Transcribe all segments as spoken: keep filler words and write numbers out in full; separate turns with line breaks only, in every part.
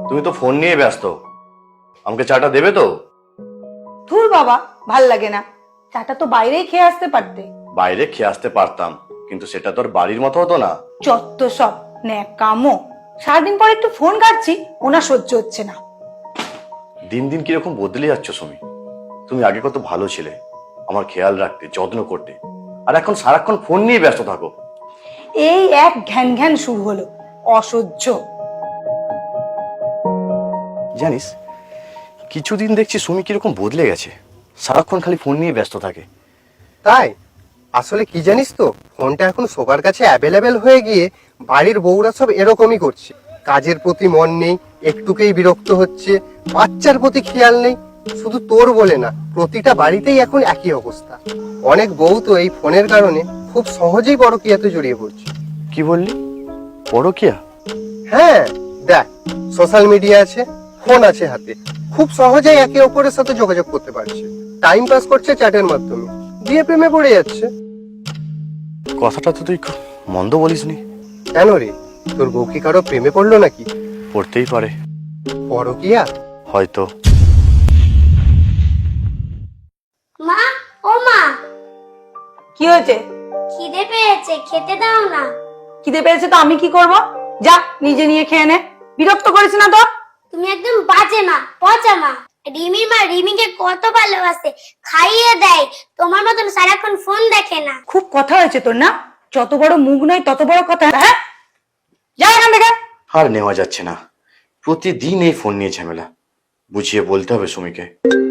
তুমি তো ফোন নিয়ে ব্যস্ত, আমাকে চাটা দেবে তো?
ধুর বাবা, ভাল লাগে না। চাটা তো বাইরেই খেয়ে আসতে পারতে।
বাইরে খেয়ে আসতে পারতাম, কিন্তু সেটা তোর বাড়ির মতো হতো না।
যত সব ন্যাকামো। সারাদিন পর একটু ফোন ঘাটছি, ওনা সহ্য হচ্ছে না।
দিন দিন কিরকম বদলে যাচ্ছ সুমি। তুমি আগে কত ভালো ছিলে, আমার খেয়াল রাখতে, যত্ন করতে, আর এখন সারাক্ষণ ফোন নিয়ে ব্যস্ত থাকো।
এই এক ঘ্যান ঘ্যান শুরু হলো, অসহ্য।
জানিস, কিছুদিন দেখছি সুমি কিরকম বদলে গেছে, সারাক্ষণ খালি ফোন নিয়ে ব্যস্ত থাকে।
তাই আসলে কি জানিস তো, ফোনটা এখন সবার কাছে অ্যাভেলেবেল হয়ে গিয়ে বাড়ির বউরা সব এরকমই করছে। কাজের প্রতি মন নেই, একটুকেই বিরক্ত হচ্ছে, বাচ্চার প্রতি খেয়াল নেই। শুধু তোর বলে না, প্রতিটা বাড়িতেই এখন একই অবস্থা। অনেক বউ তো এই ফোনের কারণে খুব সহজেই পরকীয়াতে জড়িয়ে পড়ছে।
কি বললি? পরকীয়া?
হ্যাঁ, দেখ, সোশ্যাল মিডিয়া আছে, ফোন আছে হাতে, খুব সহজেই একে অপরের সাথে যোগাযোগ করতে পারছে। টাইম পাস করছে চ্যাটের মাধ্যমে, দিয়ে প্রেমে পড়ে যাচ্ছে।
কথাটা তো তুই খুব মন্দ বলিসনি।
কেন রে, তোর বউ কি কারো প্রেমে পড়লো নাকি?
পড়তেই পারে।
পরকীয়া?
হয়তো।
মা, ও মা,
কি হয়েছে?
খিদে পেয়েছে, খেতে দাও না।
খিদে পেয়েছে তো আমি কি করব? যা নিজে নিয়ে খেয়ে নে। বিরক্ত করিস না তো।
তুমি একদম বাজে মা, পচা মা। রিমির মা রিমিকে কত ভালোবাসে, খাইয়ে দেয়, তোমার মতন সারাক্ষণ ফোন দেখে না।
খুব কথা হয়েছে তোর না? যত বড় মুখ নয় তত বড় কথা। হ্যাঁ, যা এখান থেকে।
আর নেওয়া যাচ্ছে না, প্রতিদিন এই ফোন নিয়ে ঝামেলা। বুঝিয়ে বলতে হবে সুমিকে।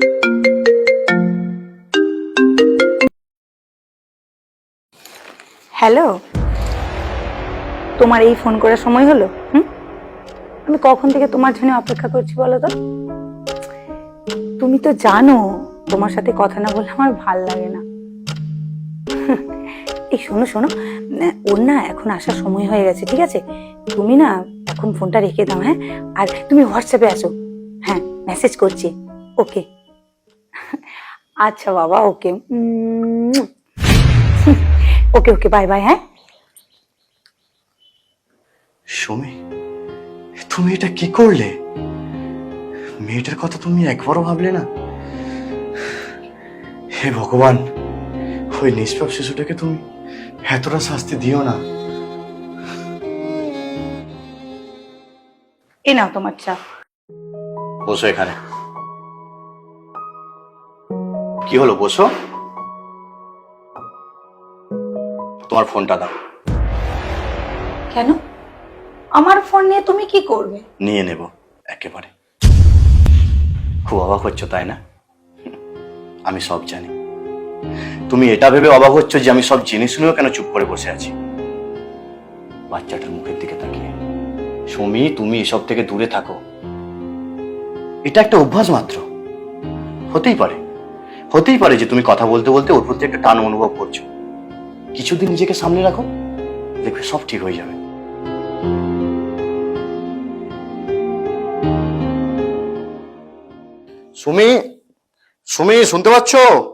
হ্যালো, তোমার এই ফোন করার সময় হলো? হুম, আমি কখন থেকে তোমার জন্য অপেক্ষা করছি বলো তো? তুমি তো জানো তোমার সাথে কথা না বললে আমার ভাল লাগে না। এই শোনো শোনো, ওর না এখন আসার সময় হয়ে গেছে, ঠিক আছে? তুমি না এখন ফোনটা রেখে দাও, হ্যাঁ? আর তুমি হোয়াটসঅ্যাপে আসো। হ্যাঁ, মেসেজ করছি। ওকে, আচ্ছা বাবা, ওকে, ওকে ওকে, বাই বাই। হ্যাঁ
সুমি, তুমি এটা কি করলে? মেয়েটার কথা তুমি একবারও ভাবলে না? হে ভগবান, ওই নিষ্পাপ শিশুটাকে তুমি এতটা শাস্তি দিও না।
এ নাও তোমার চা।
বসো এখানে। কি হলো, বসো। তোমার ফোনটা দাও।
কেন? আমার ফোন নিয়ে তুমি কি করবে?
নিয়ে নেব একেবারে। খুব অবাক হচ্ছ তাই না? আমি সব জানি। তুমি এটা ভেবে অবাক হচ্ছ যে আমি সব জেনে শুনেও কেন চুপ করে বসে আছি। বাচ্চাটার মুখের দিকে তাকিয়ে। সুমি, তুমি এসব থেকে দূরে থাকো। এটা একটা অভ্যাস মাত্র। হতেই পারে হতেই পারে যে তুমি কথা বলতে বলতে ওর প্রতি একটা টান অনুভব করছো। কিছুদিন নিজেকে সামনে রাখো, দেখবে সব ঠিক হয়ে যাবে। সুমি, সুমি, শুনতে পাচ্ছ?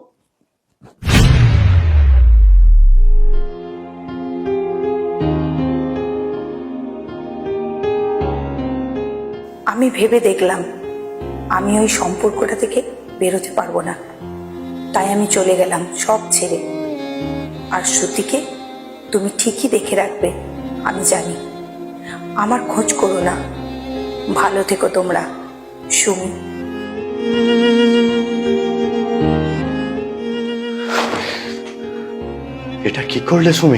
আমি ভেবে দেখলাম আমি ওই সম্পর্কটা থেকে বেরোতে পারবো না, তাই আমি চলে গেলাম সব ছেড়ে। আর শ্রুতিকে তুমি ঠিকই দেখে রাখবে, আমি জানি। আমার খোঁজ করো না। ভালো থেকো তোমরা। সুমি।
এটা কি করলে সুমি?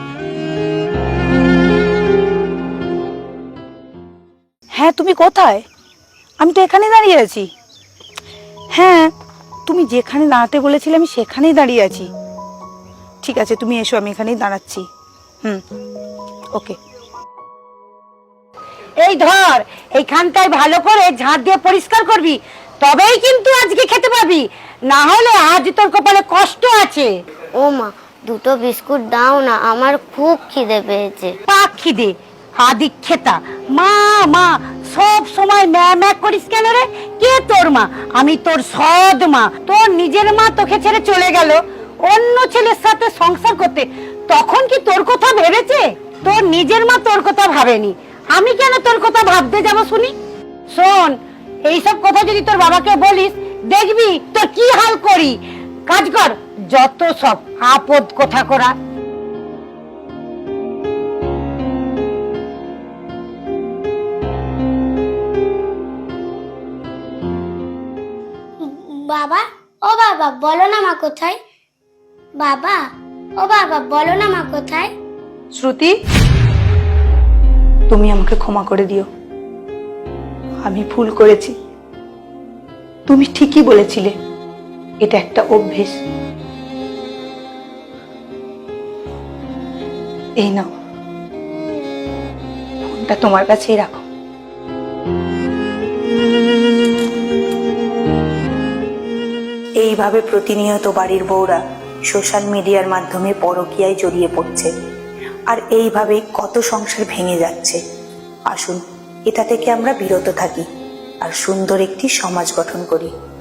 হ্যাঁ, তুমি কোথায়? আমি তো এখানে দাঁড়িয়ে আছি। হ্যাঁ, তুমি যেখানে দাঁড়াতে বলেছিলে আমি সেখানেই দাঁড়িয়ে আছি। ঠিক আছে, তুমি এসো, আমি এখানেই দাঁড়াচ্ছি। হুম, ওকে। এই ধর, এইখানটায় ভালো করে ঝাঁট দিয়ে পরিষ্কার করবি, তবেই কিন্তু আজকে খেতে পাবি, না হলে আজ তোর কপালে কষ্ট আছে।
ও মা, দুটো বিস্কুট দাও না, আমার খুব খিদে পেয়েছে।
পাক খিদে, আদি খেতা। মা মা সব সময় ম্যা ম্যা করিস কেন রে? কে তোর মা? আমি তোর সৎ মা। তোর নিজের মা তোকে ছেড়ে চলে গেল অন্য ছেলের সাথে সংসার করতে, তখন কি তোর কথা ভেবেছে? তোর নিজের মা তোর কথা ভাবেনি, আমি কেন তোর কথা ভাবতে যাব শুনি?
শোন, এইসব কথা যদি তোর বাবাকে বলিস, দেখবি তোর কি হাল করি। কাজ কর, যত সব আপদ কথা করা।
বাবা, ও বাবা, বলো না মা কোথায়? বাবা, ও বাবা, বলো না মা কোথায়?
শ্রুতি, তুমি আমাকে ক্ষমা করে দিও, আমি ভুল করেছি। তুমি ঠিকই বলেছিলে, এটা একটা অভ্যেস। এই নাও, ফোনটা তোমার কাছেই রাখো। এইভাবে প্রতিনিয়ত বাড়ির বউরা সোশ্যাল মিডিয়ার মাধ্যমে পরকীয়ায় জড়িয়ে পড়ছে, আর এইভাবেই কত সংসার ভেঙে যাচ্ছে। আসুন, এটা থেকে আমরা বিরত থাকি আর সুন্দর একটি সমাজ গঠন করি।